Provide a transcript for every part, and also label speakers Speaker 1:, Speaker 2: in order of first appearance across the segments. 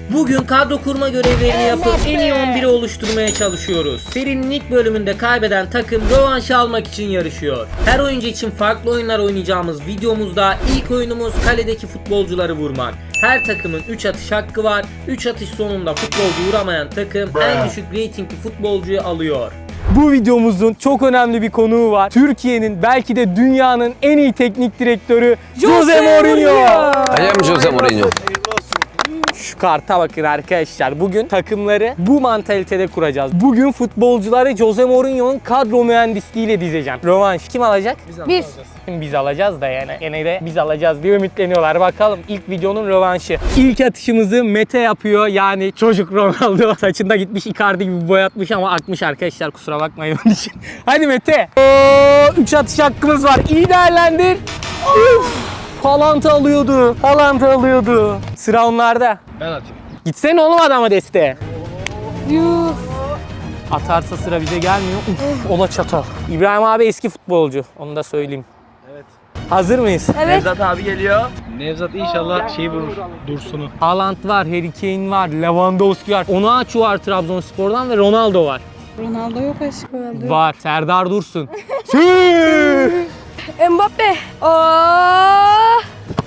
Speaker 1: Bugün kadro kurma görevlerini yapıp en iyi 11'i oluşturmaya çalışıyoruz. Serinin ilk bölümünde kaybeden takım rövanşı almak için yarışıyor. Her oyuncu için farklı oyunlar oynayacağımız videomuzda ilk oyunumuz kaledeki futbolcuları vurmak. Her takımın 3 atış hakkı var. 3 atış sonunda futbolcu vuramayan takım en düşük reytingli futbolcuyu alıyor.
Speaker 2: Bu videomuzun çok önemli bir konuğu var. Türkiye'nin belki de dünyanın en iyi teknik direktörü Jose Mourinho.
Speaker 3: I am Jose Mourinho.
Speaker 2: Şu karta bakın arkadaşlar. Bugün takımları bu mantalitede kuracağız. Bugün futbolcuları Jose Mourinho'nun kadro mühendisliğiyle dizeceğim. Rövanş kim alacak? Biz alacağız da yani. Gene de biz alacağız diye ümitleniyorlar. Bakalım ilk videonun rövanşı. İlk atışımızı Mete yapıyor. Yani çocuk Ronaldo. Saçında gitmiş Icardi gibi boyatmış ama akmış arkadaşlar. Kusura bakmayın onun için. Hadi Mete. 3 atış hakkımız var. İyi değerlendir. Haaland alıyordu. Sıra onlarda.
Speaker 4: Ben atayım.
Speaker 2: Gitsene oğlum adama desteğe. Atarsa sıra bize gelmiyor. Ola çatal. İbrahim abi eski futbolcu. Onu da söyleyeyim.
Speaker 4: Evet.
Speaker 2: Hazır mıyız?
Speaker 4: Nevzat abi geliyor. Nevzat inşallah şeyi vurur. Dursun'u.
Speaker 2: Haaland var, Harry Kane var, Lewandowski var. Onaçu var Trabzonspor'dan ve Ronaldo var.
Speaker 5: Ronaldo yok aşkım. Ronaldo yok.
Speaker 2: Var. Serdar Dursun.
Speaker 5: Mbappe. Oh!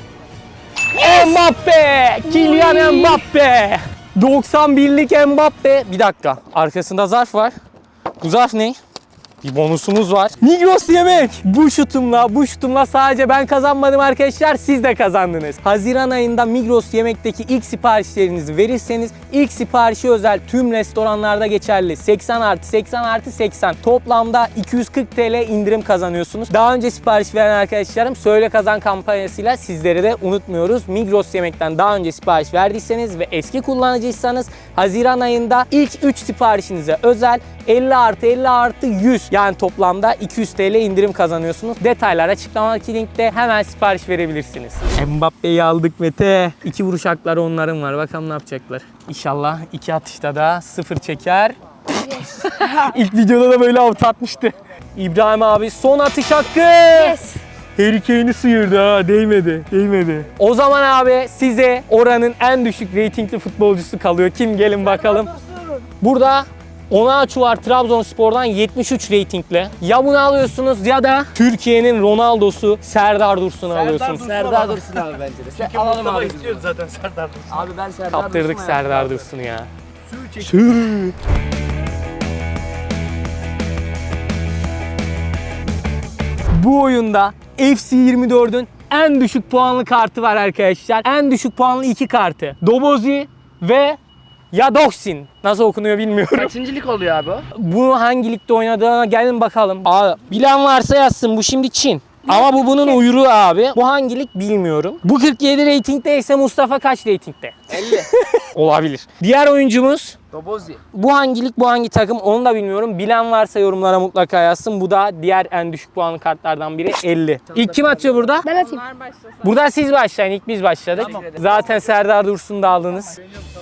Speaker 2: Mbappe! Kylian Mbappe! 91'lik Mbappe. Bir dakika. Arkasında zarf var. Bu zarf ne? Bir bonusumuz var. Migros yemek. Bu şutumla sadece ben kazanmadım arkadaşlar. Siz de kazandınız. Haziran ayında Migros yemekteki ilk siparişlerinizi verirseniz ilk siparişi özel tüm restoranlarda geçerli. 80+80+80. Toplamda 240 TL indirim kazanıyorsunuz. Daha önce sipariş veren arkadaşlarım Söyle Kazan kampanyasıyla sizleri de unutmuyoruz. Migros yemekten daha önce sipariş verdiyseniz ve eski kullanıcıysanız Haziran ayında ilk 3 siparişinize özel 50+50+100 yani toplamda 200 TL indirim kazanıyorsunuz. Detaylar açıklamadaki linkte hemen sipariş verebilirsiniz. Mbappe'yi aldık Mete. 2 vuruş hakları onların var. Bakalım ne yapacaklar. İnşallah 2 atışta da 0 çeker. İlk videoda da böyle avut atmıştı. İbrahim abi son atış hakkı.
Speaker 5: Yes.
Speaker 2: Harry Kane'i sıyırdı ha. Değmedi. O zaman abi size oranın en düşük reytingli futbolcusu kalıyor. Kim gelin bakalım. Burada Onaçu var Trabzonspor'dan 73 reytingli. Ya bunu alıyorsunuz ya da Türkiye'nin Ronaldo'su Serdar Dursun'u alıyorsunuz.
Speaker 4: Serdar Dursun abi bence de. Alalım abi. İstiyoruz zaten Serdar Dursun. Abi ben Serdar
Speaker 2: Kaptırdık Serdar Dursun'u ya. Bu oyunda FC24'ün en düşük puanlı kartı var arkadaşlar. En düşük puanlı 2 kartı. Dobozi ve Yadoksin. Nasıl okunuyor bilmiyorum.
Speaker 4: Kaçıncı lig oluyor abi o?
Speaker 2: Bu hangi ligde oynadığına gelin bakalım. Abi, bilen varsa yazsın. Bu şimdi Çin. Ama bu bunun uyruğu abi. Bu hangi lig bilmiyorum. Bu 47 reytingdeyse Mustafa kaç reytingde?
Speaker 4: 50.
Speaker 2: Olabilir. Diğer oyuncumuz
Speaker 4: Dobozi.
Speaker 2: bu hangi lig, bu hangi takım onu da bilmiyorum. Bilen varsa yorumlara mutlaka yazsın. Bu da diğer en düşük puanlı kartlardan biri 50. İlk kim atıyor burada?
Speaker 5: Ben atayım.
Speaker 2: Burada siz başlayın. İlk biz başladık. Zaten Serdar Dursun'u da aldınız.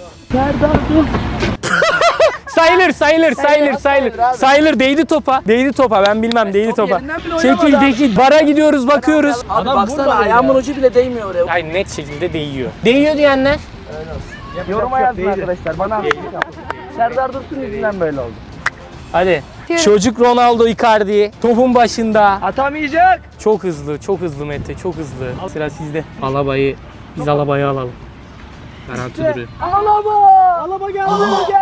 Speaker 2: Sayılır. Değdi topa. Ben bilmem değdi topa. Çekil. Bara gidiyoruz bakıyoruz.
Speaker 4: Abi baksana ayağımın ucu bile değmiyor oraya.
Speaker 2: Ay net şekilde değiyor. Değiyor diyenler.
Speaker 4: Yoruma yazın arkadaşlar. Bana haksızlık yapın. Serdar Dursun yüzünden böyle oldu.
Speaker 2: Hadi. Çocuk Ronaldo Icardi topun başında.
Speaker 4: Atamayacak.
Speaker 2: Çok hızlı Mete, çok hızlı. Sıra sizde. Biz Alaba'yı alalım. Garanti duruyor.
Speaker 4: Alaba geldi.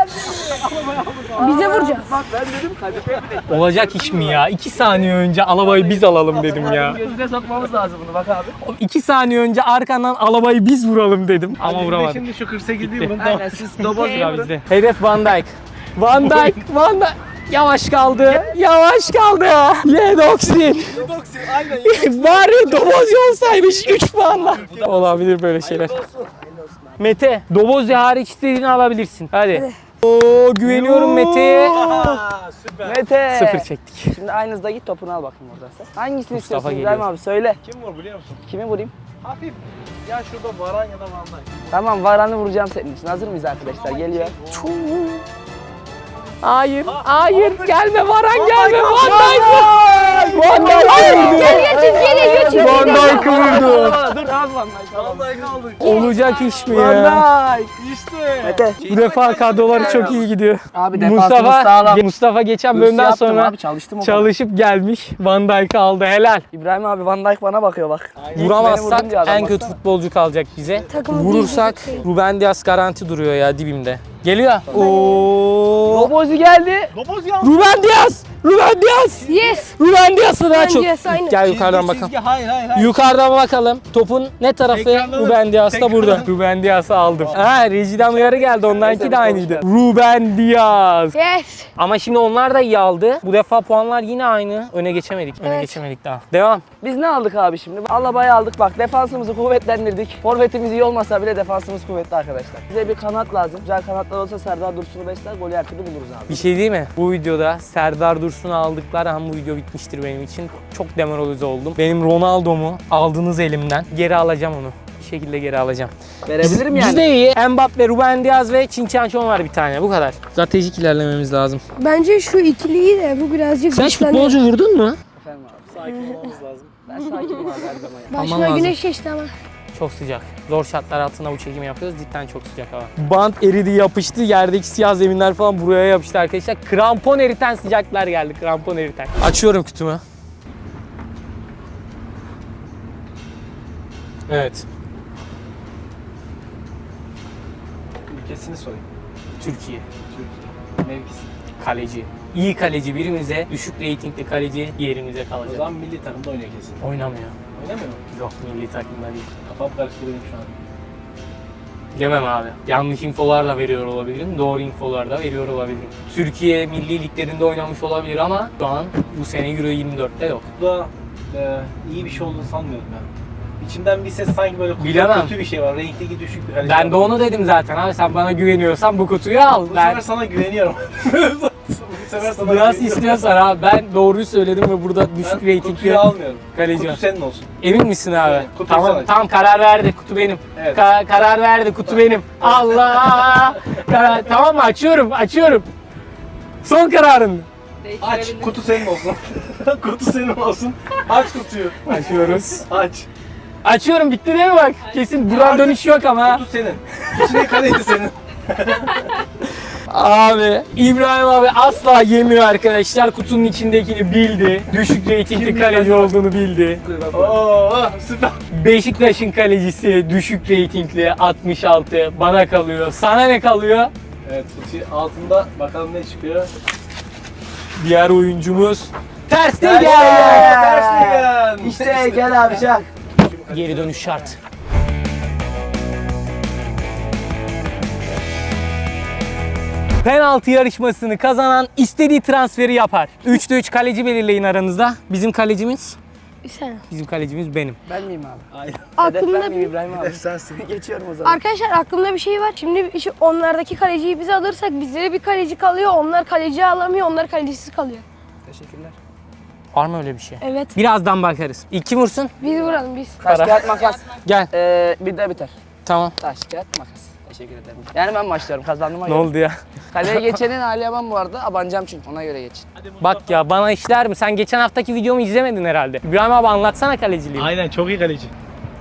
Speaker 5: Bize vuracağız.
Speaker 4: Bak ben dedim kadife.
Speaker 2: Olacak iş mi ya? 2 saniye önce Alaba'yı biz alalım dedim ya.
Speaker 4: Gözüne sokmamız lazım bunu bak abi.
Speaker 2: 2 saniye önce arkandan Alaba'yı biz vuralım dedim. Ama vuramadık.
Speaker 4: Şimdi şu 48 değil bunun.
Speaker 2: Aynen,
Speaker 4: Aynen siz Dobozi
Speaker 2: Sıra
Speaker 4: vurun.
Speaker 2: bizde. Hedef Van Dijk. Van Dijk. Yavaş kaldı. Yedoksin.
Speaker 4: Aynen.
Speaker 2: Bari Dobozi olsaymış 3 puanla. Olabilir böyle şeyler. Mete, Dobozi hariç istediğini alabilirsin. Hadi. Oo, güveniyorum Mete'ye.
Speaker 4: Süper. Mete.
Speaker 2: 0 çektik.
Speaker 4: Şimdi aynı hızda git topunu al bakayım oradan sen. Hangisini
Speaker 2: Mustafa
Speaker 4: istiyorsun
Speaker 2: geliyor.
Speaker 4: İbrahim abi söyle.
Speaker 6: Kim var biliyor musun?
Speaker 4: Kimi vurayım?
Speaker 6: Hafif. Ya şurada Varan ya da Van Dijk.
Speaker 4: Tamam Varan'ı vuracağım senin için. Hazır mıyız arkadaşlar? Geliyor.
Speaker 2: Hayır, gelme Varan gelme. Van Dijk vurdu.
Speaker 5: Gel çizgiye de.
Speaker 2: Van Dijk vurdu.
Speaker 4: dur abi Van Dijk.
Speaker 6: Vallahi kaldık.
Speaker 2: Olacak iş mi
Speaker 4: Van
Speaker 2: ya?
Speaker 4: Dijk.
Speaker 6: İşte.
Speaker 4: Mete.
Speaker 2: Bu defa kadroları çok iyi gidiyor.
Speaker 4: Abi defansımız sağlam.
Speaker 2: Mustafa geçen
Speaker 4: Hırsı
Speaker 2: bölümden
Speaker 4: yaptım
Speaker 2: sonra
Speaker 4: abi, çalıştım o kadar.
Speaker 2: çalışıp gelmiş. Van Dijk'ı aldı. Helal.
Speaker 4: İbrahim abi Van Dijk bana bakıyor bak.
Speaker 2: Vuramazsak
Speaker 4: Beni vurdun diye adam,
Speaker 2: en kötü
Speaker 4: baksana.
Speaker 2: futbolcu kalacak bize.
Speaker 5: Takımı
Speaker 2: Vurursak
Speaker 5: diyecek
Speaker 2: Ruben Dias garanti duruyor ya dibimde. Geliyor. Oo.
Speaker 4: Robozi geldi.
Speaker 6: Loboz ya.
Speaker 2: Ruben Dias! Ruben Dias!
Speaker 5: Yes.
Speaker 2: Ruben Dias'ı daha
Speaker 5: Ruben
Speaker 2: çok.
Speaker 5: Dias, aynen.
Speaker 2: Gel yukarıdan
Speaker 6: Çizgi,
Speaker 2: bakalım.
Speaker 6: Hayır.
Speaker 2: Yukarıdan bakalım. Topun ne tarafı?
Speaker 6: Tekrarlanır.
Speaker 2: Ruben Dias da burada.
Speaker 6: Tekrarlanır.
Speaker 2: Ruben Dias'ı aldım. Ha, rejiden uyarı geldi. Onlarınki de aynıydı. Ruben Dias.
Speaker 5: Yes.
Speaker 2: Ama şimdi onlar da iyi aldı. Bu defa puanlar yine aynı. Öne geçemedik. Öne
Speaker 5: Evet.
Speaker 2: geçemedik daha. Devam.
Speaker 4: Biz ne aldık abi şimdi? Alabayı aldık bak, defansımızı kuvvetlendirdik. Forvetimiz iyi olmasa bile defansımız kuvvetli arkadaşlar. Bize bir kanat lazım. Güzel kanatlar olsa Serdar Dursun'u besler, golü her türlü buluruz abi.
Speaker 2: Bir şey değil mi? Bu videoda Serdar Dursun'u aldıkları an bu video bitmiştir benim için. Çok demoralize oldum. Benim Ronaldo'mu aldınız elimden. Geri alacağım onu. Bir şekilde geri alacağım.
Speaker 4: Verebilirim yani.
Speaker 2: Bizde iyi. Mbappe, Ruben Dias ve Çinçançon var bir tane. Bu kadar. Stratejik ilerlememiz lazım.
Speaker 5: Bence şu ikiliyi de bu birazcık
Speaker 2: Sen hiç
Speaker 5: güçlendi.
Speaker 2: futbolcu vurdun mu?
Speaker 4: Efendim abi.
Speaker 6: Sakin olmamız lazım.
Speaker 4: Ben sakinim abi her zaman.
Speaker 2: Aman
Speaker 5: Başıma
Speaker 2: lazım.
Speaker 5: güneş geçti ama.
Speaker 2: Çok sıcak. Zor şartlar altında bu çekimi yapıyoruz. Cidden çok sıcak hava. Bant eridi, yapıştı. Yerdeki siyah zeminler falan buraya yapıştı arkadaşlar. Krampon eriten sıcaklar geldi. Krampon eriten. Açıyorum kutumu. Evet.
Speaker 6: Ülkesini sorayım.
Speaker 2: Türkiye.
Speaker 6: Mevkisi.
Speaker 2: Kaleci. İyi kaleci birimize, düşük reytingli kaleci diğerimize
Speaker 6: O
Speaker 2: kalacak.
Speaker 6: zaman milli takımda oynuyor kesin.
Speaker 2: Oynamıyor.
Speaker 6: Oynamıyor mu?
Speaker 2: Yok, milli takımda değil.
Speaker 6: Kafam karıştırıyorum şu an.
Speaker 2: Bilemem abi. Yanlış infolarla veriyor olabilirim. Doğru infolar da veriyor olabilirim. Türkiye milli liglerinde oynamış olabilir ama şu an bu sene Euro 24'te yok.
Speaker 6: Bu da iyi bir şey olduğunu sanmıyorum ben. İçimden bir ses sanki böyle
Speaker 2: Bilemem.
Speaker 6: kötü bir şey var. Renkteki düşük bir kaleci.
Speaker 2: Ben de onu dedim zaten abi. Sen bana güveniyorsan bu kutuyu al.
Speaker 6: Bu
Speaker 2: Ben
Speaker 6: sefer sana güveniyorum. Bu sefer sana
Speaker 2: nasıl
Speaker 6: güveniyorum.
Speaker 2: istiyorsan abi. Ben doğruyu söyledim ve burada düşük
Speaker 6: Ben
Speaker 2: reytingli
Speaker 6: kutuyu almıyorum.
Speaker 2: kaleci
Speaker 6: Kutu
Speaker 2: var.
Speaker 6: senin olsun.
Speaker 2: Emin misin abi?
Speaker 6: Evet, kutuyu
Speaker 2: Tamam,
Speaker 6: sana.
Speaker 2: tamam karar verdi. Kutu benim.
Speaker 6: Evet.
Speaker 2: Karar verdi. Kutu benim. Allah! Tamam mı? Açıyorum. Son kararın.
Speaker 6: Aç. Kutu senin olsun. Kutu senin olsun. Aç kutuyu.
Speaker 2: Açıyoruz.
Speaker 6: Aç.
Speaker 2: Açıyorum, bitti değil mi bak? Kesin duran dönüş yok ama.
Speaker 6: Kutu senin. İçine kaleci senin.
Speaker 2: Abi İbrahim abi asla yemiyor arkadaşlar. Kutunun içindekini bildi. Düşük reytingli kaleci olduğunu bildi.
Speaker 6: Oo, süper.
Speaker 2: Beşiktaş'ın kalecisi düşük reytingli 66 bana kalıyor. Sana ne kalıyor?
Speaker 6: Evet, kutu altında bakalım ne çıkıyor.
Speaker 2: Diğer oyuncumuz Ter
Speaker 6: Ter
Speaker 2: Stegen.
Speaker 6: Stegen.
Speaker 4: İşte gel abi çak.
Speaker 2: Geri dönüş şart. Penaltı yarışmasını kazanan istediği transferi yapar. 3'te 3 kaleci belirleyin aranızda. Bizim kalecimiz benim.
Speaker 4: Ben miyim abi?
Speaker 6: Aynen.
Speaker 4: Hedef
Speaker 5: Aklımda
Speaker 4: ben miyim İbrahim abi?
Speaker 6: Sensin.
Speaker 4: Geçiyorum o zaman.
Speaker 5: Arkadaşlar aklımda bir şey var. Şimdi onlardaki kaleciyi biz alırsak bizlere bir kaleci kalıyor. Onlar kaleci alamıyor. Onlar kalecisiz kalıyor.
Speaker 4: Teşekkürler.
Speaker 2: Var mı öyle bir şey?
Speaker 5: Evet.
Speaker 2: Birazdan bakarız. İlk kim vursun?
Speaker 5: Biz vuralım biz.
Speaker 4: Taş
Speaker 2: Para.
Speaker 4: kağıt makas.
Speaker 2: Gel.
Speaker 4: Bir de biter.
Speaker 2: Tamam.
Speaker 4: Taş kağıt makas. Teşekkür ederim. Yani ben başlıyorum kazandığıma
Speaker 2: Ne
Speaker 4: göre.
Speaker 2: oldu ya?
Speaker 4: Kaleye geçenin Ali Yaman bu arada. Abanacağım çünkü ona göre geçin.
Speaker 2: Bak ya bana işler mi? Sen geçen haftaki videomu izlemedin herhalde. İbrahim abi anlatsana kaleciliği.
Speaker 6: Aynen, çok iyi kaleci.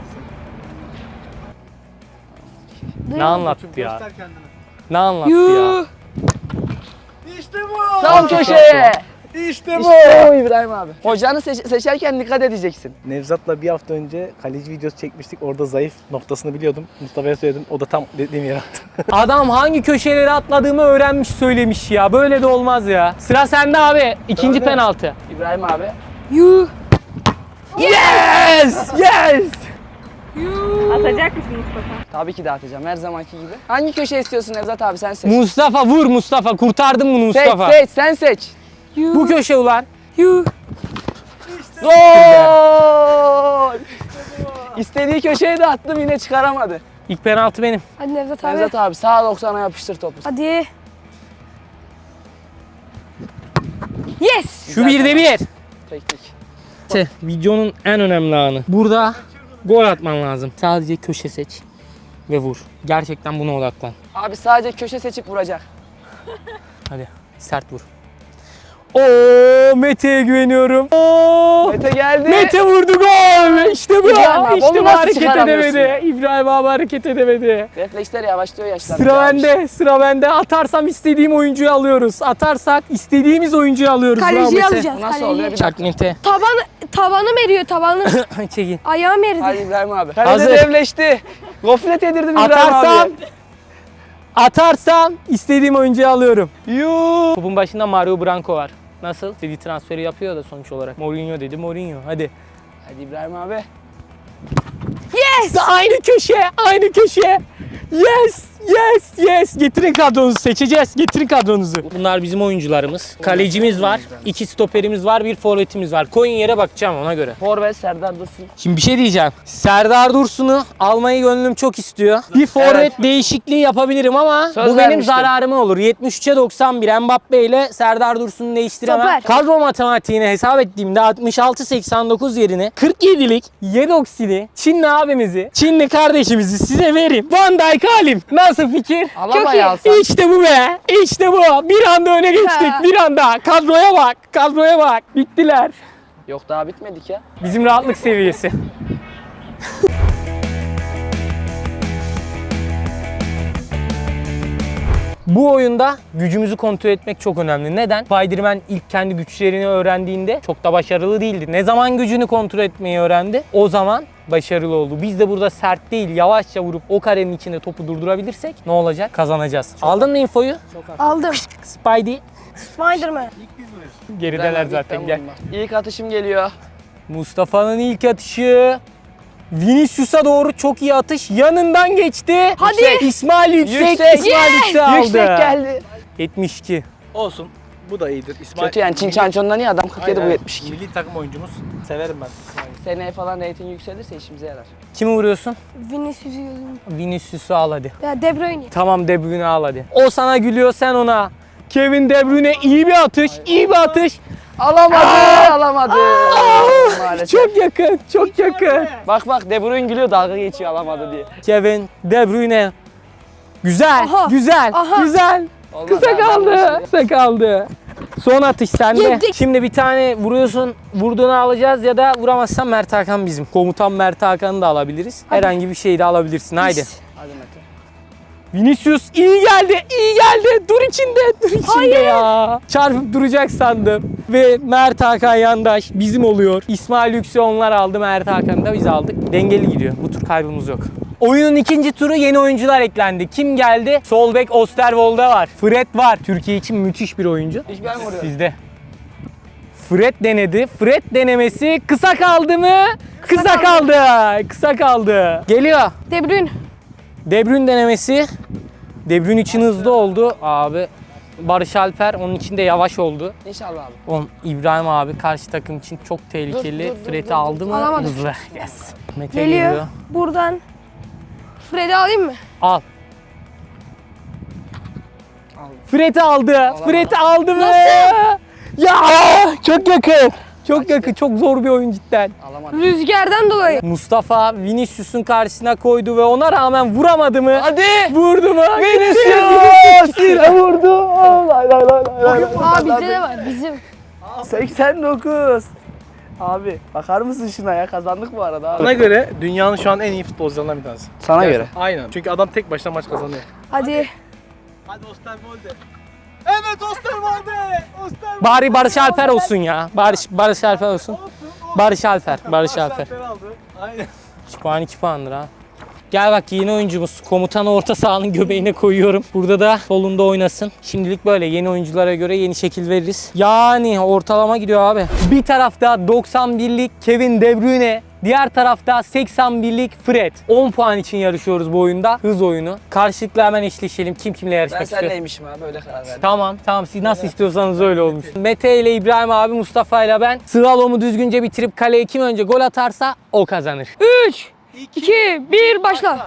Speaker 2: Ne anlattı ya?
Speaker 6: Göster kendini.
Speaker 2: Ne anlattı ya?
Speaker 6: İşte bu.
Speaker 4: Tam köşeye.
Speaker 6: İşte bu.
Speaker 4: İşte o İbrahim abi. Hocanı seçerken dikkat edeceksin.
Speaker 6: Nevzat'la bir hafta önce kaleci videosu çekmiştik. Orada zayıf noktasını biliyordum. Mustafa'ya söyledim. O da tam dediğim yere attı.
Speaker 2: Adam hangi köşeleri atladığımı öğrenmiş söylemiş ya. Böyle de olmaz ya. Sıra sende abi. İkinci
Speaker 6: Öyle.
Speaker 2: penaltı.
Speaker 4: İbrahim abi.
Speaker 5: Yuh.
Speaker 2: Yes! Yes!
Speaker 5: Atacak mısın Mustafa?
Speaker 4: Tabii ki de atacağım her zamanki gibi. Hangi köşe istiyorsun Nevzat abi, sen seç.
Speaker 2: Mustafa vur Mustafa. Kurtardın bunu Mustafa.
Speaker 4: Seç sen seç.
Speaker 5: Yuh.
Speaker 2: Bu köşe ulan.
Speaker 5: Yuh.
Speaker 4: Gol! İstediği köşeye de attım, yine çıkaramadı.
Speaker 2: İlk penaltı benim.
Speaker 5: Hadi Nevzat abi.
Speaker 4: Nevzat abi sağ 90'a yapıştır topu.
Speaker 5: Hadi. Yes.
Speaker 2: Şu birde bir.
Speaker 4: Teknik.
Speaker 2: Videonun en önemli anı. Burada gol atman lazım. Sadece köşe seç ve vur. Gerçekten buna odaklan.
Speaker 4: Abi sadece köşe seçip vuracak.
Speaker 2: Hadi sert vur. Oo, Mete'ye güveniyorum. Oo,
Speaker 4: Mete geldi.
Speaker 2: Mete vurdu gol. İşte bu.
Speaker 4: İbrahim abi,
Speaker 2: İşte
Speaker 4: onu
Speaker 2: bu,
Speaker 4: nasıl
Speaker 2: hareket
Speaker 4: çıkaramıyorsun
Speaker 2: edemedi. İbrahim abi hareket edemedi.
Speaker 4: Refleksler yavaşlıyor yaşlandı.
Speaker 2: Sıra bende, sıra bende. Atarsam istediğim oyuncuyu alıyoruz. Atarsak istediğimiz oyuncuyu alıyoruz. Bravo
Speaker 5: Kaleciyi
Speaker 2: Mete.
Speaker 5: alacağız.
Speaker 4: Bu nasıl oluyor?
Speaker 5: Kaleciyi.
Speaker 4: Bir
Speaker 2: Çak Mete.
Speaker 5: Tabanım eriyor tabanım.
Speaker 2: Çekin.
Speaker 5: Ayağım eridi.
Speaker 4: Hadi İbrahim abi.
Speaker 2: Hazır.
Speaker 4: Kalede devleşti. Gofret yedirdim İbrahim
Speaker 2: Atarsam,
Speaker 4: abi.
Speaker 2: atarsam istediğim oyuncuyu alıyorum.
Speaker 4: Yuuu.
Speaker 2: Topun başında Mario Branco var. Nasıl? İstediği transferi yapıyor da sonuç olarak. Mourinho dedi, Mourinho. Hadi.
Speaker 4: Hadi İbrahim abi.
Speaker 5: Yes!
Speaker 2: Aynı köşe, aynı köşe. Yes, yes, yes. Getirin kadronuzu, seçeceğiz. Getirin kadronuzu. Bunlar bizim oyuncularımız. Kalecimiz var, 2 stoperimiz var, 1 forvetimiz var. Koyun yere bakacağım ona göre.
Speaker 4: Forvet Serdar Dursun.
Speaker 2: Şimdi bir şey diyeceğim. Serdar Dursun'u almayı gönlüm çok istiyor. Bir forvet
Speaker 4: Evet.
Speaker 2: değişikliği yapabilirim ama
Speaker 4: Söz
Speaker 2: bu benim
Speaker 4: vermiştim.
Speaker 2: zararıma olur. 73'e 91 Mbappe ile Serdar Dursun'u değiştiremem.
Speaker 5: Stoper.
Speaker 2: Kadro matematiğini hesap ettiğimde 66-89 yerine 47'lik Yedoksili Çinli abimizi, Çinli kardeşimizi size vereyim. Van Dijk alayım. Nasıl fikir?
Speaker 4: Alamayı alsan.
Speaker 2: İşte bu be. İşte bu. Bir anda öne geçtik.
Speaker 5: Ha.
Speaker 2: Bir anda. Kadroya bak. Kadroya bak. Bittiler.
Speaker 4: Yok daha bitmedik ya.
Speaker 2: Bizim rahatlık seviyesi. Bu oyunda gücümüzü kontrol etmek çok önemli. Neden? Spider-Man ilk kendi güçlerini öğrendiğinde çok da başarılı değildi. Ne zaman gücünü kontrol etmeyi öğrendi, o zaman başarılı oldu. Biz de burada sert değil, yavaşça vurup o karenin içinde topu durdurabilirsek ne olacak? Kazanacağız. Aldın mı infoyu?
Speaker 5: Aldım.
Speaker 2: Spidey.
Speaker 5: Spiderman.
Speaker 2: Gerideler
Speaker 4: İbrahim abi,
Speaker 2: zaten,
Speaker 4: ilk
Speaker 2: gel.
Speaker 4: ben vurdum. İlk atışım geliyor.
Speaker 2: Mustafa'nın ilk atışı. Vinicius'a doğru çok iyi atış. Yanından geçti.
Speaker 5: Hadi.
Speaker 2: İsmail yüksek.
Speaker 4: Yüksek.
Speaker 2: İsmail yüksek aldı.
Speaker 4: Yüksek geldi.
Speaker 2: 72.
Speaker 6: Olsun. Bu da iyidir. İsmail.
Speaker 4: Kötü yani Çin Çançon'dan iyi adam 47 bu
Speaker 6: Aynen.
Speaker 4: 72.
Speaker 6: Milli takım oyuncumuz. Severim ben İsmail'i.
Speaker 4: Seneye falan reyting yükselirse işimize yarar.
Speaker 2: Kimi vuruyorsun?
Speaker 5: Vinicius'u gözüm.
Speaker 2: Vinicius'u al hadi.
Speaker 5: Ya De Bruyne.
Speaker 2: Tamam, De Bruyne al hadi. O sana gülüyor, sen ona. Kevin De Bruyne iyi bir atış, iyi bir atış.
Speaker 4: Alamadı, alamadı. Maalesef.
Speaker 2: Çok yakın, çok yakın.
Speaker 4: Bak bak De Bruyne gülüyor dalga geçiyor alamadı diye.
Speaker 2: Kevin De Bruyne. Güzel,
Speaker 5: Aha,
Speaker 2: güzel,
Speaker 5: aha.
Speaker 2: güzel.
Speaker 4: Olmaz
Speaker 2: Kısa
Speaker 4: abi,
Speaker 2: kaldı,
Speaker 4: anlaşıldı.
Speaker 2: kısa kaldı. Son atış sende.
Speaker 5: Yedik.
Speaker 2: Şimdi bir tane vuruyorsun, vurduğunu alacağız ya da vuramazsan Mert Hakan bizim. Komutan Mert Hakan'ı da alabiliriz. Herhangi bir şeyi de alabilirsin, haydi.
Speaker 4: Hadi Mete.
Speaker 2: Vinicius iyi geldi, iyi geldi. Dur içinde, dur içinde ya. Çarpıp duracak sandım. Ve Mert Hakan yandaş bizim oluyor. İsmail Yüksel onlar aldı, Mert Hakan'ı da biz aldık. Dengeli gidiyor. Bu tur kaybımız yok. Oyunun ikinci turu yeni oyuncular eklendi. Kim geldi? Sol bek Osterwolde var. Fred var. Türkiye için müthiş bir oyuncu.
Speaker 4: İlk ben vuruyorum.
Speaker 2: Sizde. Fred denedi. Fred denemesi kısa kaldı mı? Kısa kaldı. Kısa kaldı. Geliyor.
Speaker 5: De Bruyne.
Speaker 2: De Bruyne denemesi. De Bruyne için hızlı oldu. Abi Barış Alper onun için de yavaş oldu.
Speaker 4: İnşallah abi.
Speaker 2: Oğlum İbrahim abi karşı takım için çok tehlikeli.
Speaker 4: Dur, dur, dur,
Speaker 2: Fred'i
Speaker 4: dur.
Speaker 2: aldı mı?
Speaker 5: Alamadı.
Speaker 2: Hızlı. Yes. Mete
Speaker 5: Geliyor.
Speaker 2: geliyor.
Speaker 5: Buradan. Fred'i alayım mı?
Speaker 2: Al. Fred'i aldı. Fred'i aldı mı? Ya çok yakın. Çok yakın. Çok zor bir oyun cidden.
Speaker 4: Alamadı.
Speaker 5: Rüzgardan dolayı.
Speaker 2: Mustafa Vinicius'un karşısına koydu ve ona rağmen vuramadı mı?
Speaker 4: Hadi.
Speaker 2: Vurdu mu?
Speaker 4: Vinicius! Yine vurdu. Lay lay lay lay.
Speaker 5: Aa bizde de var bizim.
Speaker 4: 89. Abi bakar mısın şuna ya kazandık bu arada abi.
Speaker 6: Bana göre dünyanın şu an en iyi futbolcularından bir tanesi.
Speaker 4: Sana göre.
Speaker 6: Aynen. Çünkü adam tek başına maç kazanıyor.
Speaker 5: Hadi.
Speaker 6: Hadi Osterwolde. Evet Osterwolde.
Speaker 2: Bari Barış Alper olsun ya. Barış Alper olsun. Barış Alper.
Speaker 6: aldı. Aynen.
Speaker 2: 2 puan 2 puandır ha. Gel bak yeni oyuncumuz. Komutanı orta sahanın göbeğine koyuyorum. Burada da solunda oynasın. Şimdilik böyle yeni oyunculara göre yeni şekil veririz. Yani ortalama gidiyor abi. Bir tarafta 91'lik Kevin De Bruyne. Diğer tarafta 81'lik Fred. 10 puan için yarışıyoruz bu oyunda. Hız oyunu. Karşılıklı hemen eşleşelim. Kim kimle yarışmak
Speaker 4: Ben
Speaker 2: istiyor?
Speaker 4: senleymişim abi öyle karar verdim.
Speaker 2: Tamam siz nasıl istiyorsanız öyle olmuş. Mete ile İbrahim abi, Mustafa ile ben sıralımı düzgünce bitirip kaleye kim önce gol atarsa o kazanır.
Speaker 5: 3, 2, 1 başla.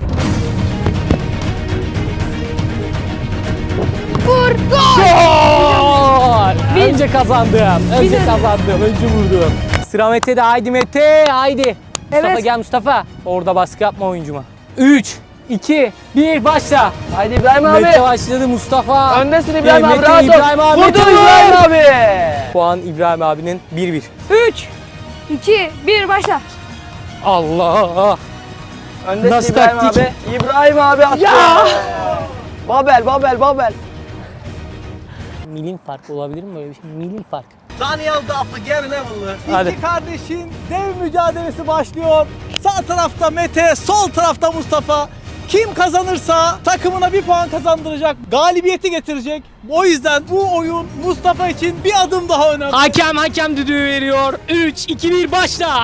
Speaker 5: Vur. Gol.
Speaker 2: Gol! Önce kazandım. Önce
Speaker 5: Biz-
Speaker 2: kazandım. Önce vurdum. Sıra Mete'de. Haydi Mete. Haydi. Mustafa
Speaker 5: Evet.
Speaker 2: gel Mustafa. Orada baskı yapma oyuncuma. 3, 2, 1 başla.
Speaker 4: Haydi İbrahim abi.
Speaker 2: Mete başladı, Mustafa.
Speaker 4: Öndesin İbrahim abi.
Speaker 2: Mete,
Speaker 4: Rahat ol.
Speaker 2: İbrahim abi.
Speaker 4: Vurdu
Speaker 2: Mete,
Speaker 4: İbrahim abi.
Speaker 2: Puan İbrahim abinin 1-1.
Speaker 5: 3, 2, 1 başla.
Speaker 2: Allah.
Speaker 4: Öndesin
Speaker 2: Nasıl
Speaker 4: İbrahim
Speaker 2: taktik?
Speaker 4: abi. İbrahim abi attı.
Speaker 2: Ya!
Speaker 4: Babel.
Speaker 2: Milin fark olabilir mi böyle bir şey? Milin fark.
Speaker 6: Daniel Duff'ı Gary Neville'lı.
Speaker 2: Hadi.
Speaker 6: İki kardeşin dev mücadelesi başlıyor. Sağ tarafta Mete, sol tarafta Mustafa. Kim kazanırsa takımına bir puan kazandıracak, galibiyeti getirecek. O yüzden bu oyun Mustafa için bir adım daha önemli.
Speaker 2: Hakem düdüğü veriyor. 3, 2, 1 başla.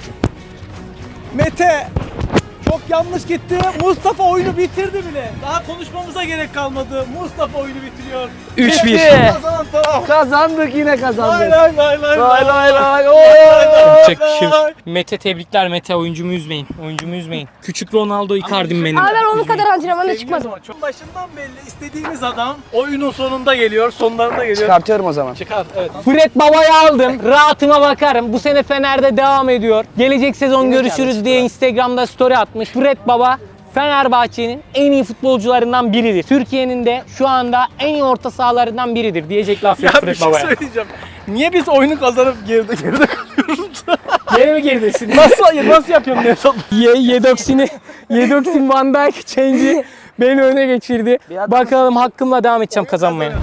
Speaker 6: Mete çok yanlış gitti. Mustafa oyunu bitirdi bile. Daha konuşmamıza gerek kalmadı. Mustafa oyunu bitiriyor.
Speaker 2: 3-1.
Speaker 4: Bitti.
Speaker 6: Kazanan taraf.
Speaker 4: Kazandık yine
Speaker 6: Lay
Speaker 4: kazandık.
Speaker 6: lay lay lay
Speaker 4: Lay lay lay.
Speaker 2: Yapacak bir şey yok. Mete tebrikler Mete, oyuncumu üzmeyin. Oyuncumu üzmeyin. Küçük Ronaldo Icardi'm benim.
Speaker 5: Abi ben onun kadar antrenmanda
Speaker 6: Sevgili
Speaker 5: çıkmadım.
Speaker 6: zaman, çok başından belli istediğimiz adam oyunun sonunda geliyor, sonlarında geliyor.
Speaker 4: Çıkartıyorum o zaman.
Speaker 6: Çıkar, evet.
Speaker 2: Fred Baba'yı aldım. Rahatıma bakarım. Bu sene Fener'de devam ediyor. Gelecek sezon
Speaker 4: Yine
Speaker 2: görüşürüz
Speaker 4: kardeşim
Speaker 2: diye Instagram'da story atmış. Fred Baba Fenerbahçe'nin en iyi futbolcularından biridir. Türkiye'nin de şu anda en iyi orta sahalarından biridir diyecek laf yok
Speaker 6: Ya bir
Speaker 2: Fred
Speaker 6: şey
Speaker 2: Baba'ya.
Speaker 6: söyleyeceğim. Niye biz oyunu kazanıp geride kalıyoruz?
Speaker 2: Geri mi geridesin?
Speaker 6: Nasıl yapıyorsun Nevzat?
Speaker 2: Yedoksin Van Dijk change'i beni öne geçirdi. Bakalım hakkımla devam edeceğim kazanmaya.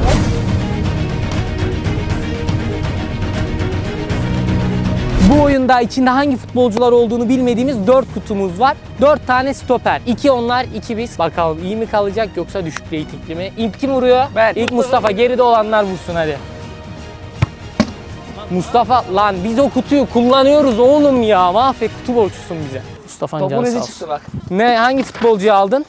Speaker 2: Bu oyunda içinde hangi futbolcular olduğunu bilmediğimiz 4 kutumuz var. 4 tane stoper. 2 onlar, 2 biz. Bakalım iyi mi kalacak yoksa düşük reytingli mi? İlk kim vuruyor?
Speaker 4: Ben.
Speaker 2: İlk Mustafa. Geride olanlar vursun hadi. Mustafa lan biz o kutuyu kullanıyoruz oğlum ya. Mahvet, kutu borçlusun bize. Mustafa'nın
Speaker 4: Topun
Speaker 2: canı sağ
Speaker 4: izi
Speaker 2: olsun.
Speaker 4: çıktı bak.
Speaker 2: Ne, hangi futbolcuyu aldın?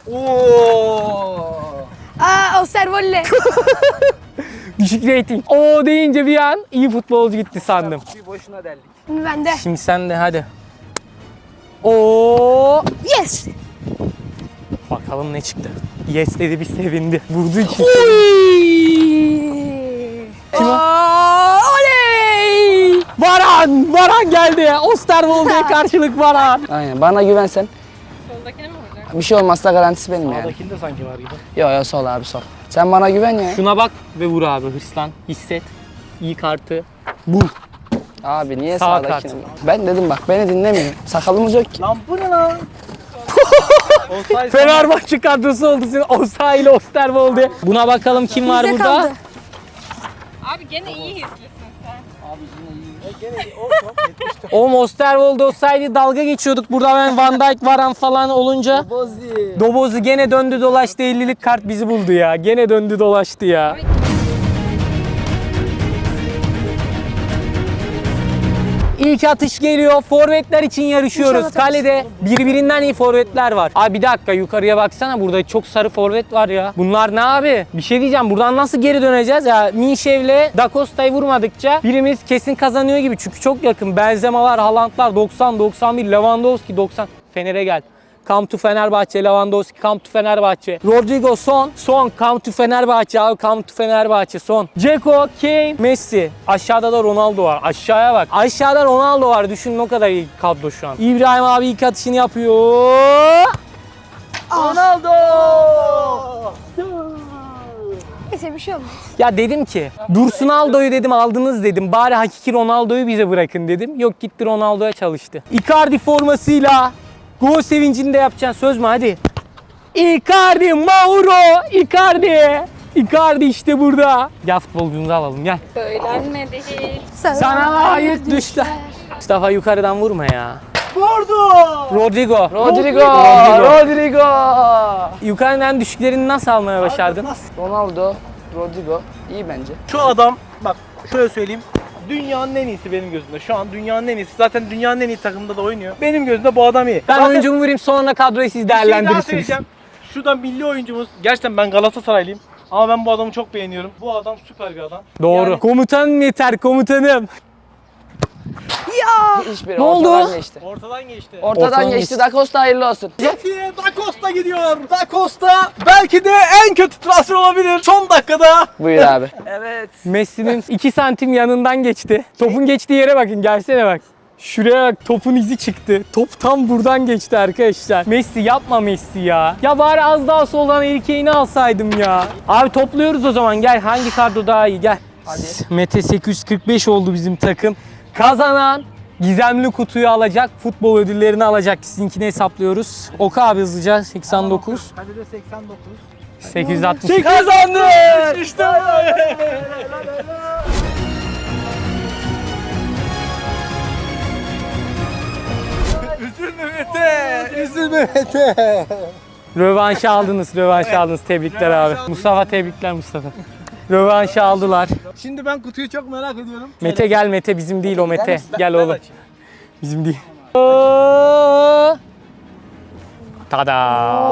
Speaker 5: Osterwolle.
Speaker 2: Düşük reyting. O deyince bir an iyi futbolcu gitti sandım.
Speaker 4: Bir boşuna deldik.
Speaker 5: Şimdi bende.
Speaker 2: Şimdi sen de hadi. Oo,
Speaker 5: Yes.
Speaker 2: bakalım ne çıktı. Yes dedi, bir sevindi. Vurdu için. Kim o?
Speaker 5: Oley.
Speaker 2: Varan geldi. Osterwolde'ye karşılık Varan.
Speaker 4: Aynen, bana güvensen. Soldakine mi vuracak? Bir şey olmazsa garantisi benim yani.
Speaker 6: Sağdakinde sanki var gibi.
Speaker 4: Yo sol abi sol. Sen bana güven ya.
Speaker 2: Şuna bak ve vur abi, hırslan, hisset. İyi kartı. Vur.
Speaker 4: Abi niye
Speaker 2: Sağ
Speaker 4: sağdakine? Ben dedim bak, beni dinlemiyor. Sakalımız yok ki.
Speaker 6: Lan bu ne lan? Offside
Speaker 2: Fenerbahçe kadrosu oldu senin. Osa ile Osterwolde. Buna bakalım kim var
Speaker 5: Bizde
Speaker 2: burada?
Speaker 5: kaldı.
Speaker 7: Abi gene iyi hislisin sen.
Speaker 2: Oğlum Osterwolde olsaydı dalga geçiyorduk. Burada ben Van Dijk, Varan falan olunca. Dobozi gene döndü dolaştı, 50'lik kart bizi buldu ya. Gene döndü dolaştı ya. İlk atış geliyor. Forvetler için yarışıyoruz.
Speaker 5: İnşallah
Speaker 2: Kalede birbirinden iyi forvetler var. Abi bir dakika, yukarıya baksana, burada çok sarı forvet var ya. Bunlar ne abi? Bir şey diyeceğim, buradan nasıl geri döneceğiz ya? Minşev'le Da Costa'yı vurmadıkça birimiz kesin kazanıyor gibi, çünkü çok yakın. Benzemalar, Haaland'lar 90, 91, Lewandowski 90. Fener'e gel. Come to Fenerbahçe, Lewandowski, come to Fenerbahçe. Rodrigo, son, come to Fenerbahçe abi, come to Fenerbahçe, son. Dzeko, Kane, Messi. Aşağıda da Ronaldo var. Aşağıya bak. Aşağıda Ronaldo var. Düşünün o kadar iyi kadro şu an. İbrahim abi ilk atışını yapıyor.
Speaker 4: Ronaldo!
Speaker 5: Neyse bir şey olmaz.
Speaker 2: Ya dedim ki, Dursun Aldo'yu dedim aldınız dedim. Bari hakiki Ronaldo'yu bize bırakın dedim. Yok, gitti Ronaldo'ya çalıştı. Icardi formasıyla gol sevincini de yapacaksın, söz mü, hadi. Icardi, Mauro, Icardi. Icardi işte burada. Gel futbolcumuzu alalım, gel.
Speaker 7: Söylenmedi hiç.
Speaker 2: Sana layık düşler. Mustafa yukarıdan vurma ya.
Speaker 6: Vurdu!
Speaker 2: Rodrigo.
Speaker 4: Rodrigo!
Speaker 2: Yukarıdan düşüklerini nasıl almaya başardın?
Speaker 4: Ronaldo, Rodrigo iyi bence.
Speaker 6: Şu adam bak şöyle söyleyeyim. Dünyanın en iyisi benim gözümde. Şu an dünyanın en iyisi. Zaten dünyanın en iyi takımında da oynuyor. Benim gözümde bu adam iyi.
Speaker 2: Ben
Speaker 6: Zaten
Speaker 2: oyuncumu vurayım, sonra kadroyu siz
Speaker 6: bir şey daha
Speaker 2: değerlendirirsiniz.
Speaker 6: söyleyeceğim. Şurada milli oyuncumuz. Gerçekten ben Galatasaraylıyım. Ama ben bu adamı çok beğeniyorum. Bu adam süper bir adam.
Speaker 2: Doğru.
Speaker 6: Yani-
Speaker 2: Komutanım yeter, komutanım.
Speaker 4: Hiçbiri
Speaker 2: Ne oldu?
Speaker 4: ortadan geçti.
Speaker 6: Ortadan geçti.
Speaker 4: Ortadan geçti.
Speaker 2: geçti.
Speaker 4: Da Costa hayırlı olsun.
Speaker 6: City'ye Da Costa gidiyor. Da Costa belki de en kötü transfer olabilir. Son dakikada.
Speaker 4: Buyur abi.
Speaker 6: Evet.
Speaker 2: Messi'nin 2 santim yanından geçti. Topun geçtiği yere bakın, gelsene bak. Şuraya bak, topun izi çıktı. Top tam buradan geçti arkadaşlar. Messi yapma Messi ya. Ya bari az daha soldan erkeğini alsaydım ya. Abi topluyoruz o zaman, gel hangi kadro daha iyi gel.
Speaker 4: Hadi.
Speaker 2: Mete 845 oldu bizim takım. Kazanan gizemli kutuyu alacak, futbol ödüllerini alacak. Sizinkini hesaplıyoruz. Oku abi hızlıca 89.
Speaker 6: Hadi de 89.
Speaker 2: 860.
Speaker 6: Kazandı! İşte Üzülme Mete! Üzülme Mete!
Speaker 2: Rövanşı aldınız, rövanşı aldınız. Tebrikler abi. Mustafa tebrikler Mustafa. Rövanşı aldılar.
Speaker 6: Şimdi ben kutuyu çok merak ediyorum.
Speaker 2: Mete gel, Mete bizim değil o Mete. Gel oğlum. Bizim değil. Tada.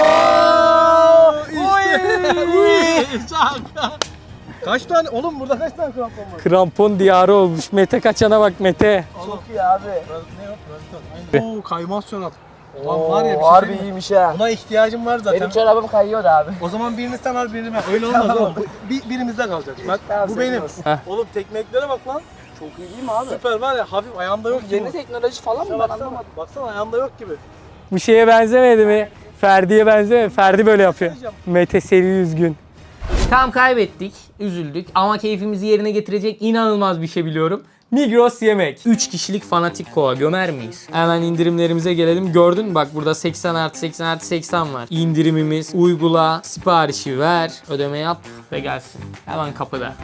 Speaker 6: Kaç tane? Oğlum burada kaç tane krampon var?
Speaker 2: Krampon diyarı olmuş. Mete kaçana bak Mete.
Speaker 4: Çok iyi abi.
Speaker 6: Ne yok? Oo kaymaz çorap. Ulan var ya bir şey
Speaker 4: Harbi
Speaker 6: söyleyeyim mi?
Speaker 4: iyiymiş ha.
Speaker 6: Buna ihtiyacım var zaten.
Speaker 4: Benim çorabım kayıyordu abi.
Speaker 6: O zaman birini sen al birini ben. Öyle olmaz oğlum. Birimizde kalacak. Bak
Speaker 4: Tamam,
Speaker 6: bu
Speaker 4: senin
Speaker 6: benim.
Speaker 4: olsun.
Speaker 2: Heh.
Speaker 6: Oğlum tekmeklere bak lan.
Speaker 4: Çok iyi değil mi abi?
Speaker 6: Süper var ya hafif ayağımda yok gibi.
Speaker 4: Yeni teknoloji falan mı ben
Speaker 6: Baksana,
Speaker 4: anlamadım.
Speaker 6: baksana ayağımda yok gibi.
Speaker 2: Bu şeye benzemedi mi? Ferdi'ye benzemedi. Ferdi böyle yapıyor. Mete seri üzgün.
Speaker 1: Tam kaybettik, üzüldük ama keyfimizi yerine getirecek inanılmaz bir şey biliyorum.
Speaker 2: Migros yemek.
Speaker 1: 3 kişilik fanatik kola gömer miyiz? Hemen indirimlerimize gelelim. Gördün mü? Bak burada 80 artı 80 artı 80 var. İndirimimiz, uygula, siparişi ver, ödeme yap ve gelsin. Hemen kapıda.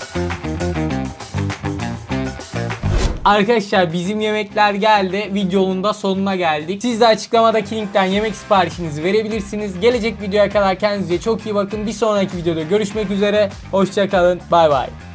Speaker 1: Arkadaşlar bizim yemekler geldi. Videonun da sonuna geldik. Siz de açıklamadaki linkten yemek siparişinizi verebilirsiniz. Gelecek videoya kadar kendinize çok iyi bakın. Bir sonraki videoda görüşmek üzere. Hoşça kalın. Bay bay.